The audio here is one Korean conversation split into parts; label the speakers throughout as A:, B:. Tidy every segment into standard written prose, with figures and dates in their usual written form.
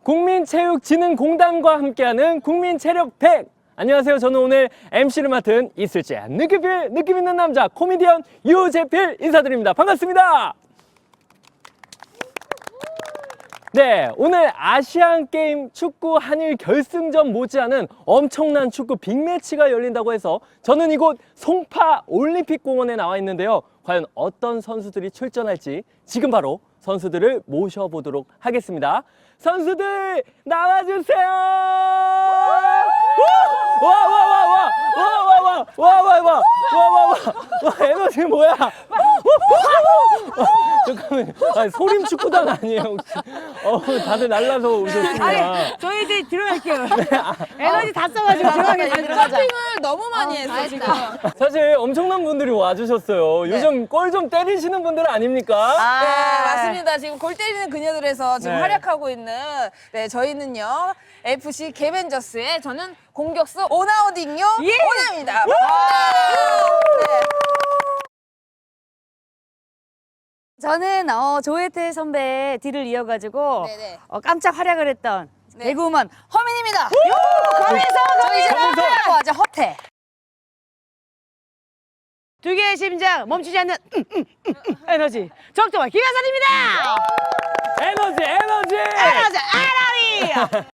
A: 국민체육진흥공단과 함께하는 국민체력 100. 안녕하세요. 저는 오늘 MC를 맡은 이슬재 느낌 있는 남자 코미디언 유재필 인사드립니다. 반갑습니다. 네, 오늘 아시안게임 축구 한일 결승전 못지않은 엄청난 축구 빅매치가 열린다고 해서 저는 이곳 송파 올림픽공원에 나와 있는데요. 과연 어떤 선수들이 출전할지 지금 바로 선수들을 모셔보도록 하겠습니다. 선수들 나와주세요. 와 에너지 뭐야? 잠깐만, 아니, 소림 축구단 아니에요 혹시? 다들 날라서 오셨습니다.
B: 아니, 저희 이제 들어갈게요. 에너지 다 써가지고 들어가겠습니다.
C: 점핑을 너무 많이 했어 지금.
A: 사실 엄청난 분들이 와주셨어요. 요즘 골 좀 때리시는 분들 아닙니까?
C: 네, 맞습니다. 지금 골 때리는 그녀들에서 지금
A: 네.
C: 활약하고 있는 저희는요 FC 개벤저스의 저는 공격수 오나우딩요 오나입니다. 네.
B: 저는 조혜태 선배의 뒤를 이어가지고
C: 네네.
B: 깜짝 활약을 했던
C: 네.
B: 개그우먼
C: 허민입니다.
B: 저희 이제
C: 허민서 허태라고 하죠. 허태.
B: 두 개의 심장 멈추지 않는 에너지 적정한 김하선입니다.
A: 에너지!
B: 에너지 아라리.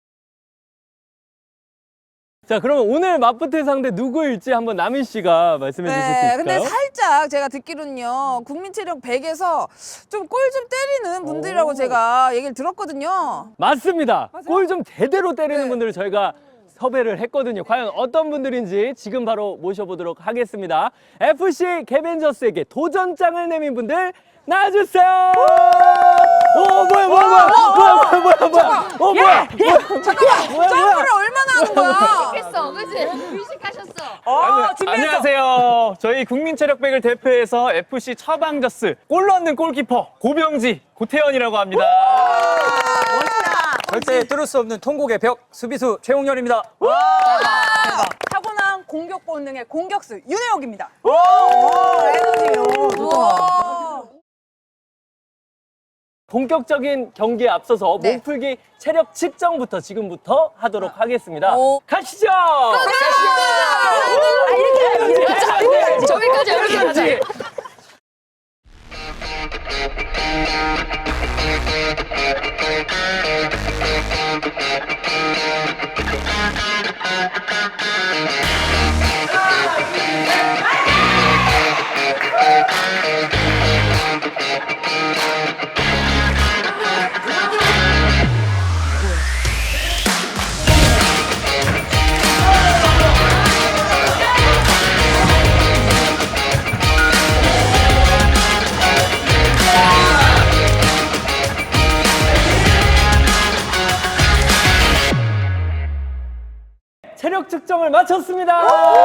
A: 자, 그러면 오늘 맞붙을 상대 누구일지 한번 남인 씨가 말씀해 주실 수 있을까요?
C: 근데 살짝 제가 듣기로는요 국민체력 100에서 좀 골 좀 때리는 분들이라고 제가 얘기를 들었거든요.
A: 맞습니다. 골 좀 제대로 때리는
C: 네.
A: 분들을 저희가 섭외를 했거든요. 과연 어떤 분들인지 지금 바로 모셔보도록 하겠습니다. FC 개벤저스에게 도전장을 내민 분들 나와주세요. 오, 뭐야.
C: 잠깐만 점프를 얼마나 하는 거야?
D: 했어, 그치? 의식하셨어.
E: 안녕하세요. 저희 국민체력백을 대표해서 FC 처방저스 골 넣는 골키퍼 고병지 고태현이라고 합니다.
F: 절대 뚫을 수 없는 통곡의 벽 수비수 최홍렬입니다.
C: 타고난 공격 본능의 공격수 윤혜옥입니다.
A: 본격적인 경기에 앞서서
C: 네.
A: 몸풀기 체력 측정부터 지금부터 하도록 하겠습니다.
C: 오.
A: 가시죠.
D: 저기까지 이렇게 하자.
A: 체력 측정을 마쳤습니다.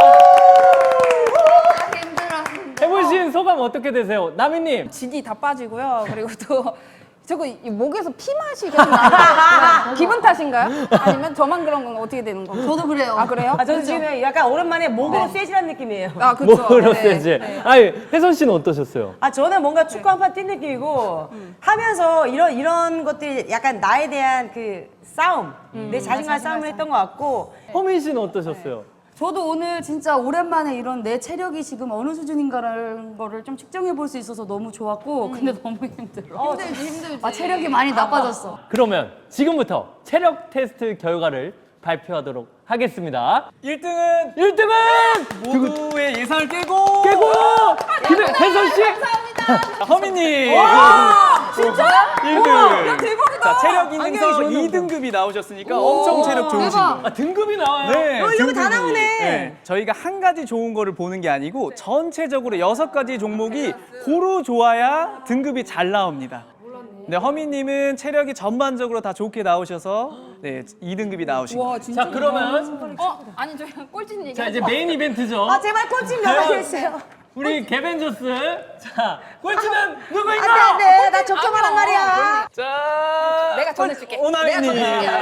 A: 해보신 소감 어떻게 되세요? 남인님.
C: 진이 다 빠지고요. 그리고 또 저거 이 목에서 피 맛이 계속 나요. 기분 탓인가요? 아니면 저만 그런 건가? 어떻게 되는 건가?
D: 저도 그래요.
C: 아 그래요?
B: 저는 지금 약간 오랜만에 목으로 세지는 느낌이에요.
C: 아 그렇죠.
A: 뭐로 세지? 아니, 혜선 씨는 어떠셨어요?
B: 저는 뭔가 축구 한 판 뛴 느낌이고 하면서 이런 것들이 약간 나에 대한 그 싸움, 내 자신과의 싸움을 했던 것 같고
A: 허민 씨는 어떠셨어요?
D: 저도 오늘 진짜 오랜만에 이런 내 체력이 지금 어느 수준인가라는 거를 좀 측정해 볼 수 있어서 너무 좋았고 근데 너무 힘들어. 힘들지. 체력이 많이 나빠졌어.
A: 그러면 지금부터 체력 테스트 결과를 발표하도록 하겠습니다.
E: 1등은
A: 1등은
E: 모두의 예상을 깨고
A: 깨고 혜선 씨.
E: 허민님
C: 진짜?
E: 1등.
C: 대박이다.
E: 자, 체력 인증서 2등급이 나오셨으니까 엄청 체력 좋으신 분.
A: 아, 등급이 나와요.
E: 네,
B: 이런 거 다
E: 등급이.
B: 나오네.
E: 네, 저희가 한 가지 좋은 거를 보는 게 아니고 전체적으로 6가지 종목이 고루 좋아야 등급이 잘 나옵니다. 네, 허민님은 체력이 전반적으로 다 좋게 나오셔서 네, 2등급이 나오신 거예요.
C: 와 진짜.
A: 자, 그러면
D: 아니 저희 꼴찌는 얘기.
A: 자, 이제 메인 이벤트죠.
B: 제발 꼴찌 나가주세요.
A: 우리 개벤저스. 자, 꼴찌는 누구인가?
B: 네, 나 적정하란 말이야.
E: 자,
C: 내가 전해줄게.
E: 오나미님.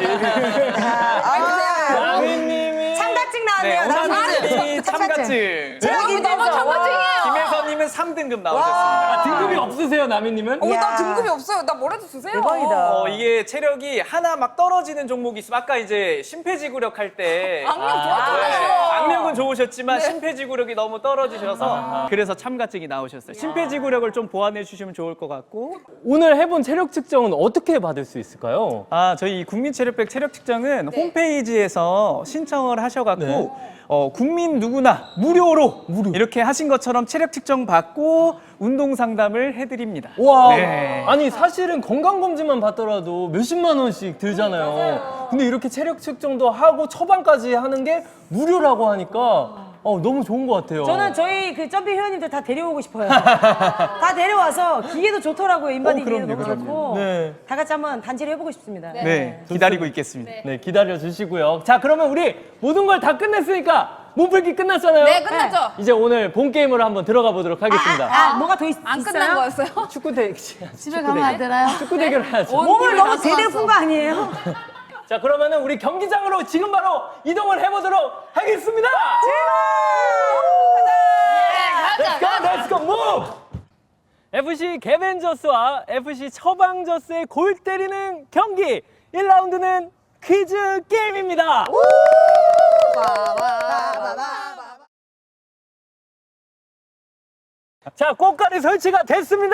A: 남인님이
B: 참가증
E: 네,
B: 나왔네요.
E: 오나미님이 참가증.
B: 체력 인증서.
E: 김혜선님은 3등급 나오셨습니다.
A: 등급이 없으세요, 나미님은?
C: 나 등급이 없어요. 나 뭐라도 주세요.
B: 대박이다.
E: 이게 체력이 하나 막 떨어지는 종목이 있어. 아까 이제 심폐지구력 할 때
C: 악력 좋았잖아요.
E: 악력은 좋으셨지만 심폐지구력이 너무 떨어지셔서 그래서 참가증이 나오셨어요. 심폐지구력을 좀 보완해 주시면 좋을 것 같고.
A: 오늘 해본 체력 측정은 어떻게 받을 수 있을까요?
E: 저희 국민체력백 체력 측정은 홈페이지에서 신청을 하셔갖고
A: 네.
E: 국민 누구나 무료로 이렇게 하신 것처럼 체력 측정 받고 운동 상담을 해드립니다.
A: 와,
E: 네.
A: 아니 사실은 건강검진만 받더라도 몇십만 원씩 들잖아요. 근데 이렇게 체력 측정도 하고 처방까지 하는 게 무료라고 하니까 너무 좋은 것 같아요.
B: 저는 저희 그 점핑 회원님들 다 데려오고 싶어요. 다 데려와서 기계도 좋더라고요. 인바디 기계도 너무
E: 그럼요.
B: 좋고.
A: 네.
B: 다 같이 한번 단체를 해보고 싶습니다.
E: 네, 기다리고 있겠습니다.
A: 네, 기다려 주시고요. 자, 그러면 우리 모든 걸 다 끝냈으니까 몸풀기 끝났잖아요.
C: 네, 끝났죠?
A: 이제 오늘 본 게임으로 한번 들어가 보도록 하겠습니다.
B: 뭐가 더
C: 안
B: 있어요?
C: 끝난 거였어요?
A: 축구 대
D: 집에 가면 안 되나요?
A: 축구 대결 해야죠.
B: 몸을 너무 제대로 푼 거 아니에요?
A: 자, 그러면은 우리 경기장으로 지금 바로 이동을 해보도록 하겠습니다. Let's go, let's go, move! FC 개벤저스와 FC 처방저스의 골 때리는 경기 1라운드는 퀴즈 게임입니다. 자, 꽃갈이 설치가 됐습니다.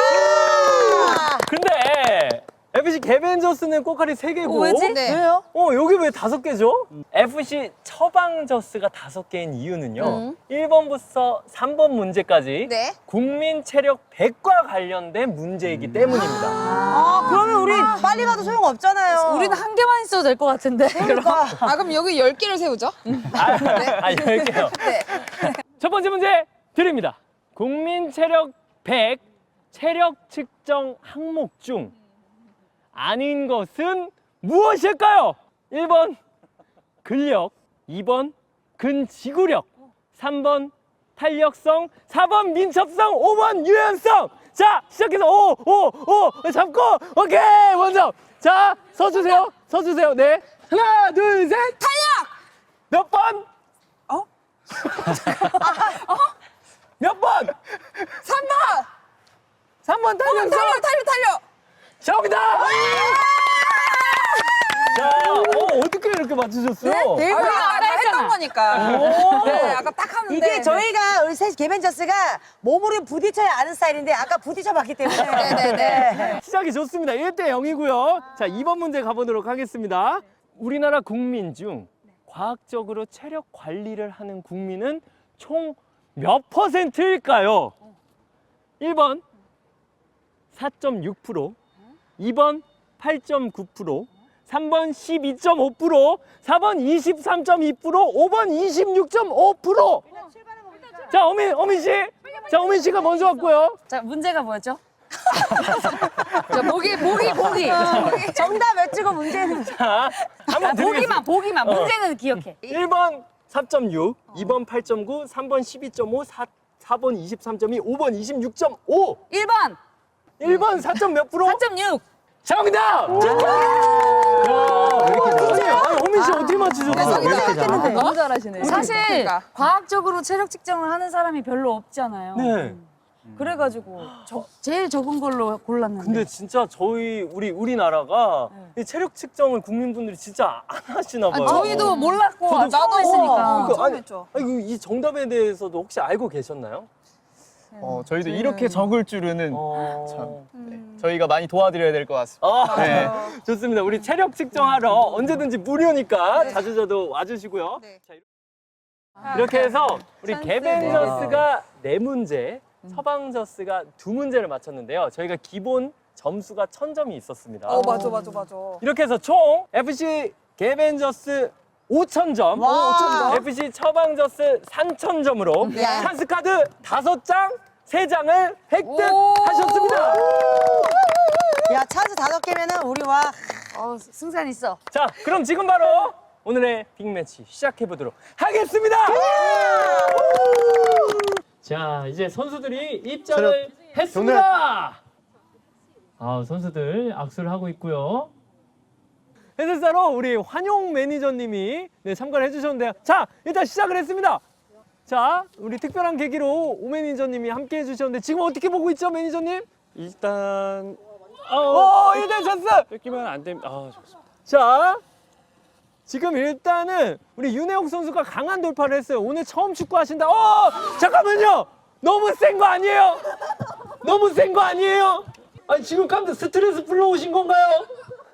A: 근데 FC 개벤저스는 꽃갈이 3개고
C: 네.
B: 왜요?
A: 여기 왜 5개죠? FC 처방저스가 5개인 이유는요. 1번부터 3번 문제까지
C: 네.
A: 국민 체력 100과 관련된 문제이기 때문입니다.
B: 그러면 우리 빨리 가도 소용 없잖아요.
D: 우리는 한 개만 있어도 될 것 같은데.
C: 그럼 여기 10개를 세우죠?
A: 10개요.
C: 네.
A: 첫 번째 문제 드립니다. 국민 체력 100 체력 측정 항목 중 아닌 것은 무엇일까요? 1번 근력, 2번 근지구력, 3번 탄력성, 4번 민첩성, 5번 유연성. 자, 시작해서 5 잡고 오케이 먼저. 자, 서주세요. 서주세요. 네. 하나, 둘, 셋.
C: 탄력!
A: 몇 번? 몇 번?
C: 3번!
A: 3번 탄력성.
C: 달려!
A: 정답! 자, 어떻게 이렇게 맞추셨어요?
C: 아까 했던 거니까.
A: 오.
C: 네, 아까 딱 하는데.
B: 이게 저희가 우리 셋 개벤저스가 몸으로 부딪혀야 아는 스타일인데 아까 부딪혀봤기 때문에.
C: 네네네.
A: 시작이 좋습니다. 1대 0이고요. 자, 2번 문제 가보도록 하겠습니다. 우리나라 국민 중 과학적으로 체력 관리를 하는 국민은 총 몇 %일까요? 1번 4.6%, 2번 8.9%, 3번 12.5%, 4번 23.2%, 5번 26.5%. 자, 어민 씨. 자, 어민 씨가 먼저 왔고요.
D: 자, 문제가 뭐였죠?
C: 자, 보기.
B: 정답 외치고 문제는.
A: 자, 한번 드리겠습니다.
D: 보기만. 문제는 기억해.
A: 1번 4.6, 2번 8.9, 3번 12.5, 4번 23.2, 5번 26.5.
C: 1번!
A: 1번 4점 몇 프로?
C: 4.6!
A: 정답! 아니, 호민 씨 어떻게 맞추셨어요?
C: 너무 잘하시네.
D: 사실 과학적으로 체력 측정을 하는 사람이 별로 없잖아요.
A: 네.
D: 그래가지고 제일 적은 걸로 골랐는데.
A: 근데 진짜 우리나라가 이 체력 측정을 국민분들이 진짜 안 하시나 봐요.
C: 저희도 몰랐고,
A: 저도
C: 나도
D: 했으니까.
A: 그러니까
C: 처음 했죠.
A: 이 정답에 대해서도 혹시 알고 계셨나요?
E: 저희도 이렇게 적을 줄은
A: 어...
E: 저희가 많이 도와드려야 될 것 같습니다. 네.
A: 좋습니다. 우리 체력 측정하러 언제든지 무료니까 자주 저도 와주시고요.
C: 네.
A: 자, 이렇게 해서 우리 개벤저스가 4문제, 처방저스가 2문제를 맞췄는데요. 저희가 기본 점수가 1000점이 있었습니다.
C: 맞아.
A: 이렇게 해서 총 FC 개벤저스 5,000점, FC 처방저스 3,000점으로
C: 야.
A: 찬스카드 5장, 3장을
C: 오.
A: 획득하셨습니다.
B: 야, 찬스 5개면은 우리 와.
D: 승산 있어.
A: 자, 그럼 지금 바로 오늘의 빅매치 시작해 보도록 하겠습니다. 자, 이제 선수들이 입장을 했습니다. 선수들 악수를 하고 있고요. 해설사로 우리 환용 매니저님이 참가를 해주셨는데요. 자, 일단 시작을 했습니다. 자, 우리 특별한 계기로 오 매니저님이 함께 해주셨는데 지금 어떻게 보고 있죠, 매니저님?
G: 일단
A: 일단 찬스!
G: 뺏기면 안 됩니다. 좋습니다.
A: 자, 지금 일단은 우리 윤혜옥 선수가 강한 돌파를 했어요. 오늘 처음 축구 하신다. 잠깐만요! 너무 센 거 아니에요? 너무 센 거 아니에요? 아니, 지금 깜짝 스트레스 풀러 오신 건가요?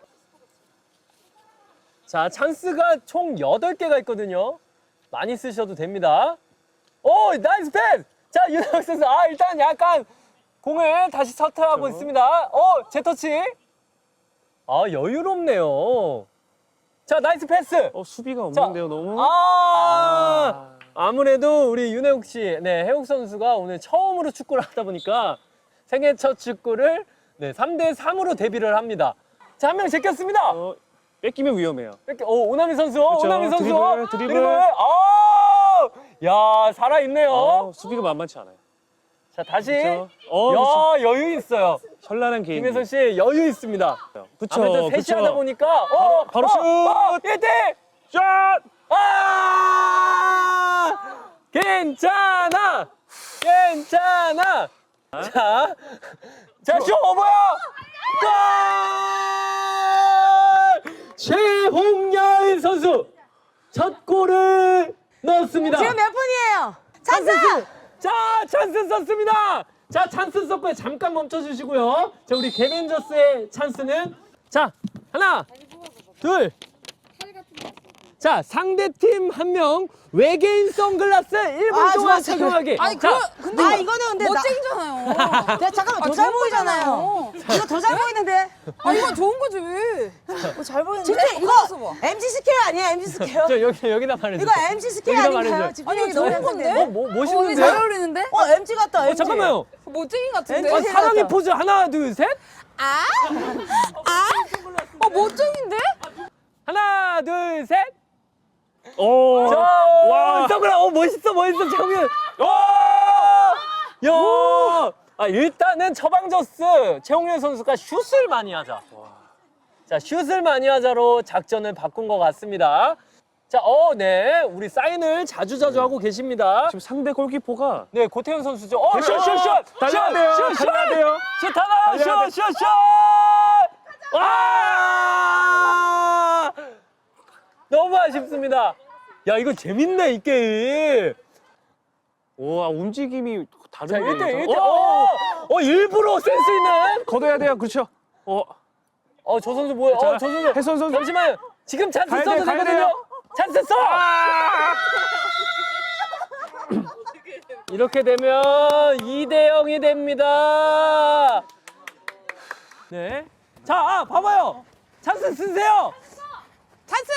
A: 자, 찬스가 총 8개가 있거든요. 많이 쓰셔도 됩니다. 나이스 패스! 자, 윤혜옥 선수. 일단 약간 공을 다시 서트하고 있습니다. 재터치. 여유롭네요. 자, 나이스 패스.
G: 수비가 없는데요, 너무.
A: 아무래도 우리 윤혜옥 씨, 혜옥 선수가 오늘 처음으로 축구를 하다 보니까 생애 첫 축구를 3대3으로 데뷔를 합니다. 자, 한 명 제꼈습니다.
G: 뺏기면 위험해요.
A: 오나미 선수, 오나미 선수.
G: 드리블.
A: 야, 살아있네요.
G: 수비가 만만치 않아요.
A: 자, 다시.
G: 그쵸.
A: 야, 여유 있어요.
G: 현란한 개인기.
A: 김혜선 씨, 여유 있습니다.
G: 그쵸,
A: 아무래도 셋이 하다 보니까.
G: 바로 슛!
A: 1대!
G: 샷!
A: 괜찮아! 괜찮아! 자, 슛! 뭐야! 골! 최홍열 선수! 첫 골을 넣었습니다.
B: 지금 몇 분이에요? 찬스!
A: 자, 찬스 썼습니다. 자, 찬스 썼고요. 잠깐 멈춰주시고요. 자, 우리 개벤저스의 찬스는 자, 하나, 둘. 자, 상대팀 한 명 외계인 선글라스 1분 동안
B: 좋았어.
A: 착용하기.
C: 근데
B: 이거는 근데
C: 멋쟁이잖아요.
B: 잠깐만 더 잘 보이잖아요. 이거 더 잘 보이는데.
C: 이건 좋은 거지.
B: 잘 보이는데. 진짜 이거 MC 스퀘어 아니에요? MC 스퀘어?
A: 저 여기다 말해주세요.
B: 이거 MC 스퀘어
A: 여기다
B: 아닌가요?
A: 말해줘요.
B: 집중력이
C: 좋은
B: 너무
C: 건데?
B: 약한데?
A: 뭐
C: 언니
A: 멋있는데?
C: 잘 어울리는데?
B: MC 같다. MC.
A: 잠깐만요.
C: 멋쟁이 같은데?
B: 왠지
A: 사랑의 포즈 하나, 둘, 셋.
C: 멋쟁인데?
A: 하나, 둘, 셋.
G: 오.
A: 와, 선글라스. 멋있어. 장면. 야. 일단은 처방저스 최홍렬 선수가 슛을 많이 하자. 자, 슛을 많이 하자로 작전을 바꾼 것 같습니다. 자, 네. 우리 사인을 자주자주 하고 계십니다.
G: 지금 상대 골키퍼가
A: 네, 고태현 선수죠. 슛!
G: 달려야 돼요. 달려야 돼요.
A: 슛 하나!
G: 달려야
A: 슛! 와! 너무 아쉽습니다. 야, 이거 재밌네, 이 게임.
G: 와, 움직임이
A: 자,
G: 다르네요.
A: 1대1. 일부러 센스 있는.
G: 걷어야 돼요. 그렇죠.
A: 저 선수 뭐예요?
G: 자,
A: 저 선수.
G: 혜선 선수.
A: 잠시만요. 지금 찬스
G: 가야
A: 써도
G: 돼, 가야
A: 되거든요.
G: 돼요.
A: 찬스 써! 이렇게 되면 2대0이 됩니다. 네. 자, 봐봐요. 찬스 쓰세요. 찬스!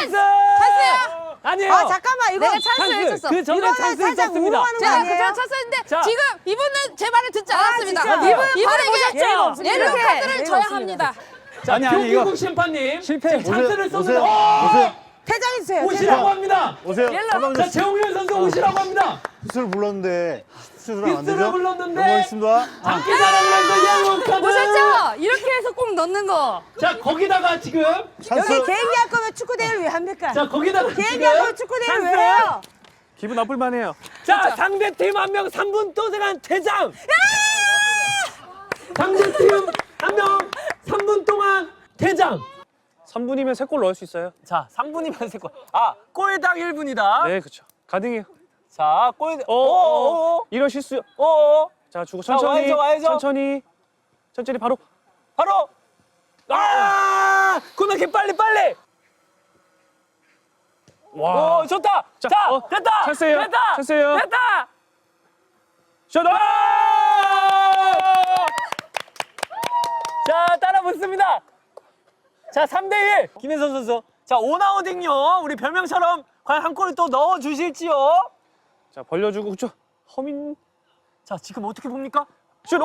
A: 아니에요.
B: 잠깐만 이거
C: 내가 찬스를 했었어.
A: 그 전에
B: 이거는
A: 찬스
B: 살짝
A: 썼습니다.
B: 우롱하는 거
C: 제가
B: 아니에요?
C: 그저 찼었는데
A: 자.
C: 지금 이분은 제 말을 듣지 않았습니다.
B: 진짜.
C: 이분에게
B: 예의가
C: 예를
B: 없습니다.
C: 카드를
B: 예의가
C: 줘야
B: 없습니다.
C: 합니다.
A: 자,
E: 아니, 이거
A: 교기국 심판님.
G: 실패.
A: 지금 찬스를 썼는데.
B: 퇴장해주세요.
A: 오시라고 합니다.
H: 오세요.
A: 자,
H: 서방님
A: 최홍렬 선수 오시라고 합니다.
H: 슛을 불렀는데 슛을 안
A: 빗수를
H: 되죠?
A: 불렀는데.
H: 영광했습니다.
A: 장기 자랑을 해서 옐로우 카드.
C: 보셨죠? 이렇게 해서 꼭 넣는 거.
A: 자, 거기다가 지금.
H: 찬스.
B: 여기 개인기 할 거면 축구 대회를 왜 합니까?
A: 자, 거기다가
B: 개인기
A: 지금.
B: 할 거면 축구 대회를 왜
A: 찬스.
B: 해요?
G: 기분 나쁠 만해요.
A: 자, 상대팀 한 명 3분 동안 퇴장. 상대팀 한 명 3분 동안 퇴장.
G: 3분이면 3골 넣을 수 있어요.
A: 자, 3분이면 세 골. 골당 1분이다.
G: 네, 그렇죠. 가능해요.
A: 자, 골.
G: 이런 실수. 자, 주고
A: 자,
G: 천천히.
A: 와야죠.
G: 천천히 바로.
A: 바로. 코너킥 빨리.
G: 와.
A: 좋다.
G: 자,
A: 자,
G: 어,
A: 됐다.
G: 찬스예요.
A: 됐다.
G: 찬스예요.
A: 됐다.
G: 슛!
A: 자, 따라 붙습니다. 자, 3대1. 김혜선 선수. 자, 오나우딩요. 우리 별명처럼 과연 한 골을 또 넣어 주실지요?
G: 자, 벌려주고 그렇죠. 허민.
A: 자, 지금 어떻게 봅니까?
G: 슛!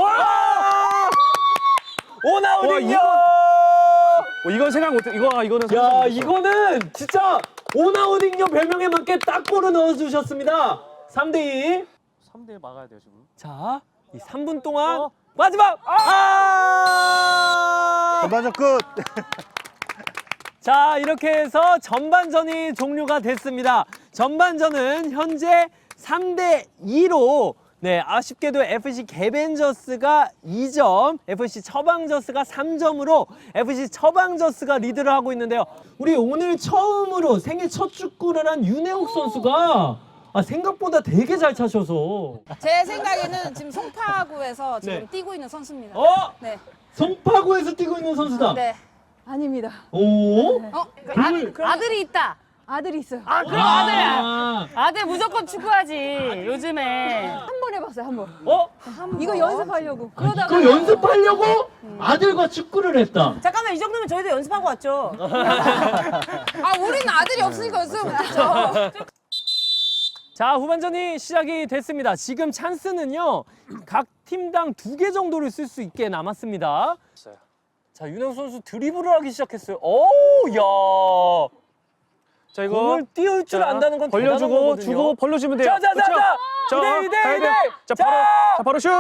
A: 오나우딩요.
G: 이건 생각 못해. 이거는
A: 야,
G: 상상 못했어.
A: 이거는 진짜 오나우딩요 별명에 맞게 딱 골을 넣어 주셨습니다. 3대2.
G: 3대 막아야 돼요, 지금.
A: 자, 이 3분 동안 마지막.
H: 전반전 끝.
A: 자, 이렇게 해서 전반전이 종료가 됐습니다. 전반전은 현재 3대 2로 네, 아쉽게도 FC 개벤저스가 2점, FC 처방저스가 3점으로 FC 처방저스가 리드를 하고 있는데요. 우리 오늘 처음으로 생애 첫 축구를 한 윤혜옥 선수가 생각보다 되게 잘 차셔서
C: 제 생각에는 지금 송파구에서 지금
A: 네.
C: 뛰고 있는 선수입니다.
A: 네. 송파구에서 뛰고 있는 선수다.
C: 네. 아닙니다.
A: 오?
D: 아들이 있다.
C: 아들이 있어요.
D: 그럼 아들 무조건 축구하지. 요즘에.
C: 한 번 해봤어요, 한 번.
A: 이거
C: 이거 연습하려고. 그러다가
A: 그거 연습하려고 아들과 축구를 했다.
B: 잠깐만, 이 정도면 저희도 연습하고 왔죠.
C: 우리는 아들이 없으니까 연습을 못했죠.
A: 자, 후반전이 시작이 됐습니다. 지금 찬스는요, 각 팀당 2개 정도를 쓸 수 있게 남았습니다. 자, 윤영 선수 드리블을 하기 시작했어요. 오, 야.
G: 자, 이거
A: 공을 띄울 줄 안다는 건 대단한
G: 벌려주고
A: 거거든요.
G: 주고 벌려주면 돼요.
A: 자,
G: 그쵸? 자,
A: 이대,
G: 가야
A: 이대.
G: 돼. 자, 바로 슛.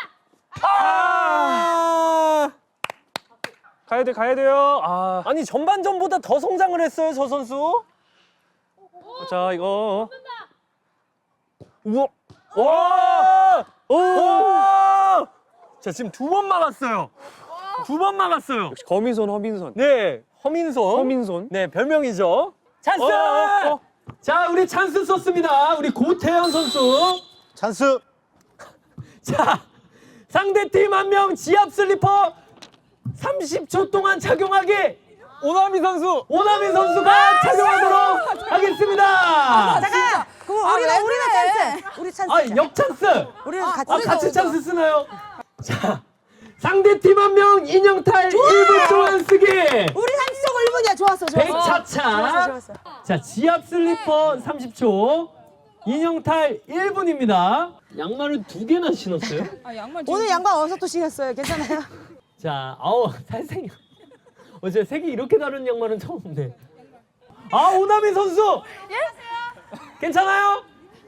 G: 가야 돼요.
A: 아니, 전반전보다 더 성장을 했어요, 저 선수.
G: 자, 이거
A: 우와. 와! 오! 자, 지금 2번 막았어요. 2번 막았어요.
G: 역시 거민손, 허민손.
A: 네, 허민손. 네, 별명이죠. 찬스! 자, 우리 찬스 썼습니다. 우리 고태현 선수.
H: 찬스.
A: 자, 상대팀 한 명 지압 슬리퍼 30초 동안 착용하기.
G: 오나미 선수.
A: 오나미 선수가 착용하도록 하겠습니다.
B: 잠깐! 그럼 우리가 찬스! 우리 찬스.
A: 역찬스.
B: 우리는 같이
A: 같이 찬스 쓰나요? 자, 상대팀 한 명 인형탈 1분 동안 쓰기.
B: 우리 30초 1분이야. 좋았어.
A: 백차차.
B: 좋았어.
A: 자, 지압 슬리퍼 30초. 인형탈 1분입니다. 양말을 2개나 신었어요?
C: 양말
B: 오늘 양반 어디서 또 신었어요? 괜찮아요?
A: 자, 살생이. 어제 색이 이렇게 다른 양말은 처음 본데. 오나미 선수. 괜찮아요?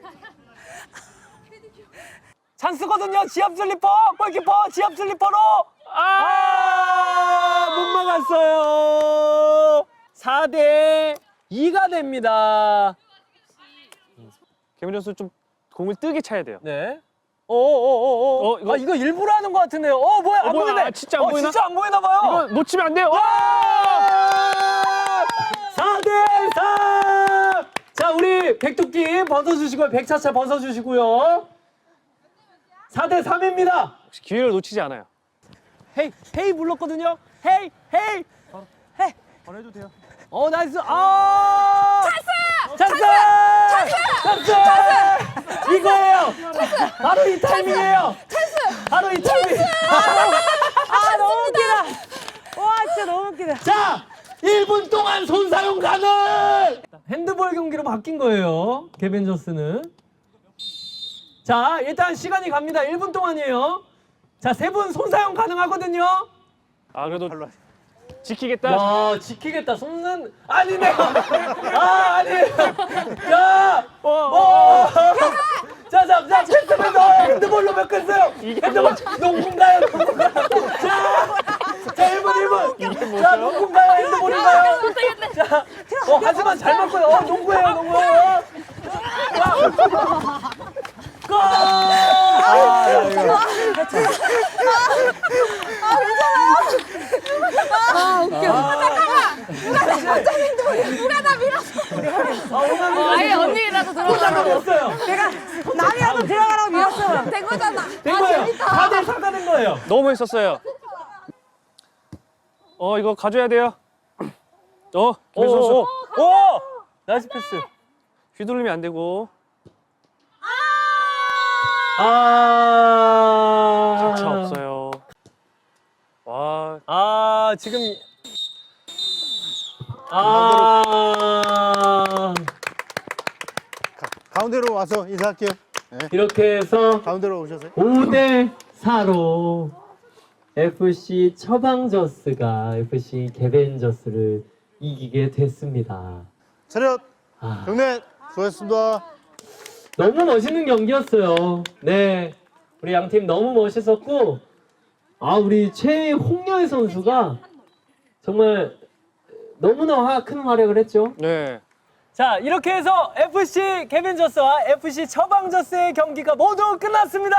A: 찬스거든요. 지압 슬리퍼. 골키퍼 지압 슬리퍼로. 못 막았어요. 4대 2가 됩니다.
G: 개민 선수 좀 공을 뜨게 차야 돼요.
A: 네.
G: 이거
A: 이거 일부러 하는 것 같은데요. 뭐야? 안
G: 뭐야?
A: 보이네.
G: 진짜 안 보이나?
A: 진짜 안 보이나 봐요.
G: 이거 놓치면 안 돼요.
A: 4대 3. 자, 우리 백토끼 벗어주시고요. 백차차 벗어주시고요. 4대 3입니다.
G: 혹시 기회를 놓치지 않아요.
A: 헤이 불렀거든요. 헤이.
H: 보내도 돼요.
A: 나이스. 찬스. 이거예요. 바로 이 타이밍이에요. 바로 이 타이밍.
B: 너무 웃기다. 와, 진짜 너무 웃기다.
A: 자, 1분 동안 손 사용 가능. 핸드볼 경기로 바뀐 거예요. 개벤저스는. 자, 일단 시간이 갑니다. 1분 동안이에요. 자, 3분 손 사용 가능하거든요.
G: 그래도 지키겠다.
A: 야, 지키겠다. 손은 아니네요. 아니에요. 야, 자, 패스면서 핸드볼로 바꿨어요. 핸드볼 농구인가요? 자, 1분. 자, 농구인가요? 핸드볼인가요? 자, 하지만 잘 맞고요. 농구예요. 골!
C: 누가 다 밀었어.
D: 아예 언니라도 들어가.
A: 없어요.
B: 내가 남이라도 들어가라고 밀었어.
C: 된 거잖아.
A: 된 거예요. 4대 4가 된 거예요.
G: 너무 했었어요. 이거 가져야 돼요. 개민 선수
A: 나이스 패스.
G: 휘둘리면 안 되고. 가차 없어요. 와,
A: 지금
H: 가운데로 와서 인사할게요. 네.
A: 이렇게 해서
H: 가운데로 오셔서요.
A: 5대 4로 FC 처방저스가 FC 개벤저스를 이기게 됐습니다.
H: 차렷. 경례. 수고하셨습니다.
A: 너무 멋있는 경기였어요. 네, 우리 양팀 너무 멋있었고, 우리 최홍렬 선수가 정말 너무나 큰 활약을 했죠.
G: 네.
A: 자, 이렇게 해서 FC 개벤저스와 FC 처방저스의 경기가 모두 끝났습니다.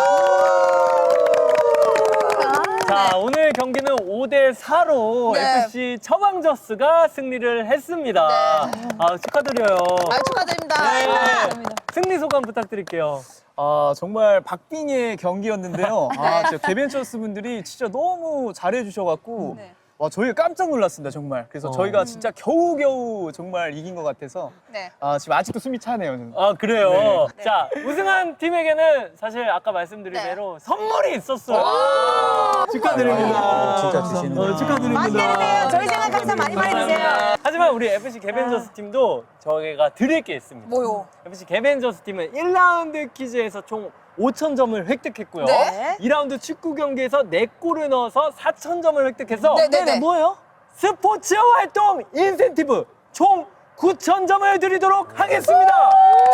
A: 자, 오늘 경기는 5대4로
C: 네.
A: FC 처방저스가 승리를 했습니다. 아, 축하드려요.
C: 축하드립니다.
A: 네. 승리 소감 부탁드릴게요.
E: 아, 정말 박빙의 경기였는데요. 아, 진짜 개벤처스 분들이 진짜 너무 잘해주셔갖고
C: 네.
E: 와, 저희가 깜짝 놀랐습니다, 정말. 그래서 저희가 진짜 겨우겨우 정말 이긴 것 같아서
C: 네.
E: 아, 지금 아직도 숨이 차네요. 저는.
A: 아, 그래요?
C: 네.
A: 자, 우승한 팀에게는 사실 아까 말씀드린
C: 네.
A: 대로 선물이 있었어요. 축하드립니다.
F: 진짜 주시는구나.
A: 축하드립니다.
B: 많이 내리세요. 저희 생각 항상 많이 주세요.
A: 하지만 우리 FC 개벤저스 팀도 저희가 드릴 게 있습니다.
C: 뭐요?
A: FC 개벤저스 팀은 1라운드 퀴즈에서 총 5,000점을 획득했고요.
B: 네.
A: 2라운드 축구 경기에서 4골을 넣어서 4,000점을 획득해서
C: 네네네.
B: 뭐예요?
A: 스포츠 활동 인센티브 총 9,000점을 드리도록 하겠습니다.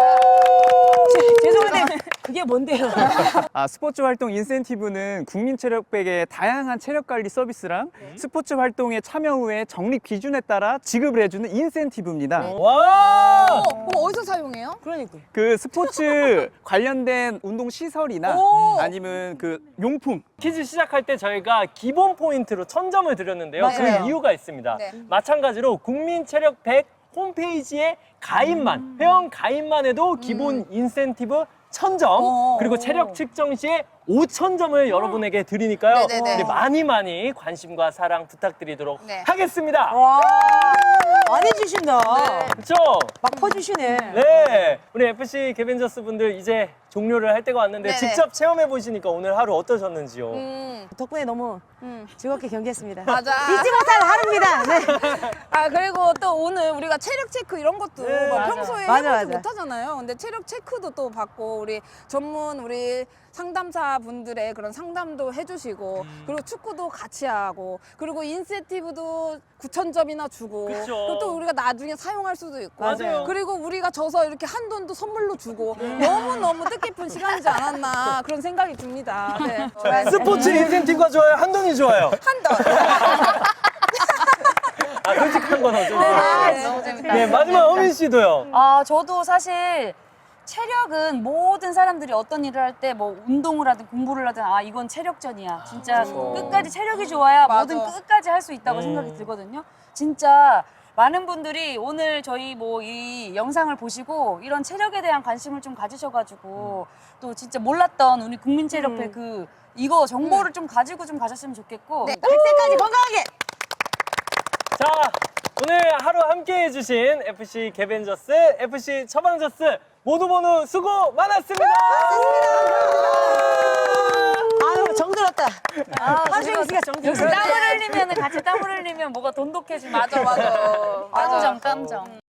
B: 죄송한데 그게 뭔데요?
E: 아, 스포츠 활동 인센티브는 국민체력백의 다양한 체력관리 서비스랑 스포츠 활동에 참여 후에 적립 기준에 따라 지급을 해주는 인센티브입니다.
A: 와!
C: 그럼 어디서 사용해요?
B: 그러니까.
E: 그 스포츠 관련된 운동 시설이나
C: 오.
E: 아니면 그 용품
A: 퀴즈 시작할 때 저희가 기본 포인트로 1,000점을 드렸는데요.
B: 맞아요.
A: 그 이유가 있습니다.
C: 네.
A: 마찬가지로 국민체력 100 홈페이지에 가입만, 회원 가입만 해도 기본 인센티브 1,000점, 그리고 체력 측정 시에 5,000점을 여러분에게 드리니까요.
C: 네네네.
A: 네, 많이 관심과 사랑 부탁드리도록
C: 네.
A: 하겠습니다.
B: 와, 많이 주신다.
A: 그렇죠?
B: 막 퍼주시네.
A: 네, 우리 FC 개벤저스 분들 이제 종료를 할 때가 왔는데
C: 네네.
A: 직접 체험해 보시니까 오늘 하루 어떠셨는지요?
B: 덕분에 너무 즐겁게 경기했습니다.
C: 맞아.
B: 잊지 못할 하루입니다. 네.
C: 아 그리고 또 오늘 우리가 체력 체크 이런 것도
A: 네,
C: 막
A: 맞아.
C: 평소에
B: 맞아,
C: 해보지
B: 맞아.
C: 못하잖아요. 근데 체력 체크도 또 받고 우리 전문 우리 상담사 분들의 그런 상담도 해주시고 그리고 축구도 같이 하고 그리고 인센티브도 9,000점이나 주고
A: 그쵸.
C: 그리고 또 우리가 나중에 사용할 수도 있고
A: 맞아요.
C: 그리고 우리가 져서 이렇게 한돈도 선물로 주고 너무너무 뜻깊은 시간이지 않았나 그런 생각이 듭니다. 네.
A: 스포츠 인센티브가 좋아요? 한돈이 좋아요?
C: 한돈.
A: 아, 솔직한 건 어쩌죠?
C: 너무 재밌다.
A: 네, 마지막 어민 씨도요.
D: 아, 저도 사실 체력은 모든 사람들이 어떤 일을 할 때 뭐 운동을 하든 공부를 하든 아, 이건 체력전이야. 진짜 끝까지 체력이 좋아야
C: 맞아.
D: 뭐든 끝까지 할 수 있다고 생각이 들거든요. 진짜 많은 분들이 오늘 저희 뭐 이 영상을 보시고 이런 체력에 대한 관심을 좀 가지셔가지고 또 진짜 몰랐던 우리 국민체력회 그 이거 정보를 좀 가지고 좀 가셨으면 좋겠고
B: 100세까지 건강하게.
A: 자, 오늘 하루 함께 해주신 FC 개벤저스, FC 처방저스 모두 수고 많았습니다.
B: 아유, 정들었다. 한수영 씨가 정들었어.
D: 땀을 흘리면 같이 땀을 흘리면 뭐가 돈독해지면
C: 맞아.
D: 깜정 깜정.